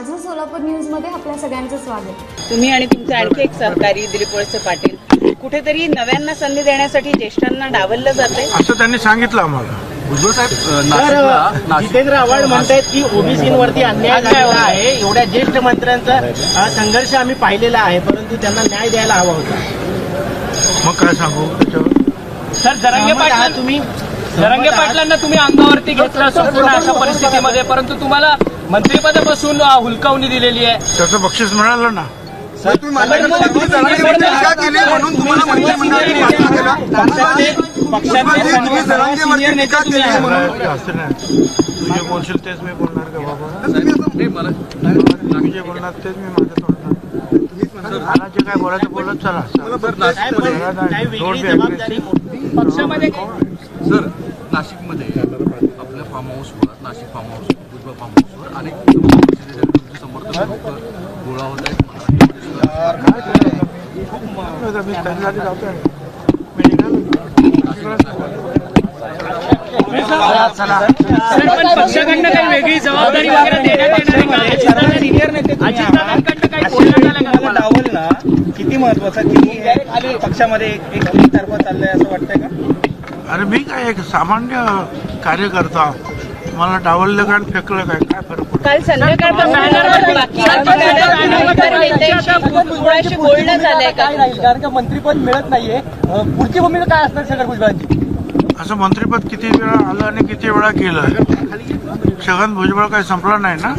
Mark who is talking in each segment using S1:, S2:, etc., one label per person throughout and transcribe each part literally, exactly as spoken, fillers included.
S1: माझं सोलापूर न्यूज मध्ये आपल्या सगळ्यांचं स्वागत।
S2: तुम्ही आणि तुमचे आणखी एक सहकारी दिलीप वळसे पाटील कुठेतरी नव्यांना संधी देण्यासाठी ज्येष्ठांना डावललं जाते
S3: असं त्यांनी सांगितलं आम्हाला।
S4: भुजबळ साहेब,
S5: जितेंद्र आव्हाड म्हणतायत की ओबीसींवरती अन्याय झालेला आहे, एवढ्या ज्येष्ठ मंत्र्यांचा संघर्ष आम्ही पाहिलेला आहे, परंतु त्यांना न्याय द्यायला हवा होता।
S3: मग काय सांगू त्याच्यावर?
S6: सर जरांगे पाटील तुम्ही जरांगे पाटलांना तुम्ही अंगावरती घेतलं संपूर्ण अशा परिस्थितीमध्ये, परंतु तुम्हाला मंत्रिपदापासून हुलकावणी दिलेली आहे।
S3: त्याचं बक्षीस मिळालं ना। तुझे बोलशील तेच मी बोलणार का बाबा? तुम्ही जे बोलणार तेच मी माझं तोडणार। मला जे काय बोलायचं बोलत चला।
S6: पक्षामध्ये
S4: सर, नाशिकमध्ये आपल्या फार्म हाऊसवर, Nashik farm house, Bhujbal farm हाऊसवर अनेक समर्थक लोक गोळा होत आहेत।
S6: पक्षाकडनं काही वेगळी जबाबदारी वगैरे देण्यात येणार
S5: डावल ना किती महत्वाचं की पक्षामध्ये एक तर्फा चाललंय असं वाटतंय का?
S3: अरे मी काय एक सामान्य कार्यकर्ता, मला डावललं काय फेकलं काय काय फरक पडतो?
S2: काल संध्याकाळपासून बोलणं झालंय का?
S5: कारण का मंत्रीपद मिळत नाहीये, पुढची भूमिका काय असणार छगन भुजबळांची?
S3: असं मंत्रिपद किती वेळा आलं आणि किती वेळा गेलं? छगन भुजबळ काही संपला नाही ना।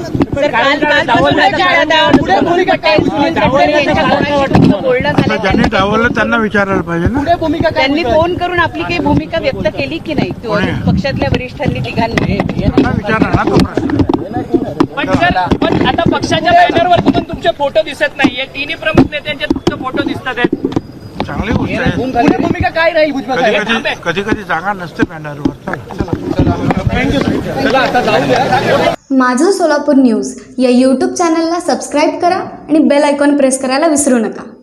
S3: आता ज्यांनी डावललं त्यांना विचारायला पाहिजे ना।
S2: त्यांनी फोन करून आपली काही भूमिका व्यक्त केली की नाही पक्षातल्या वरिष्ठांनी तिघांनी?
S3: त्यांना विचारा ना तो प्रश्न।
S6: पण सर, पण आता पक्षाच्या बॅनरवरती पण तुमचे फोटो दिसत नाहीये, तिन्ही प्रमुख नेत्यांचे फक्त फोटो दिसतात आहेत।
S3: चांगली गोष्ट आहे।
S5: पुढे भूमिका काय राहील भुजबळ
S3: कधी
S5: साहेब?
S3: कधी कधी कधी जागा नसते बॅनरवर।
S1: माझं सोलापूर न्यूज या यूट्यूब चॅनलला सबस्क्राईब करा आणि बेल आयकॉन प्रेस करायला विसरू नका।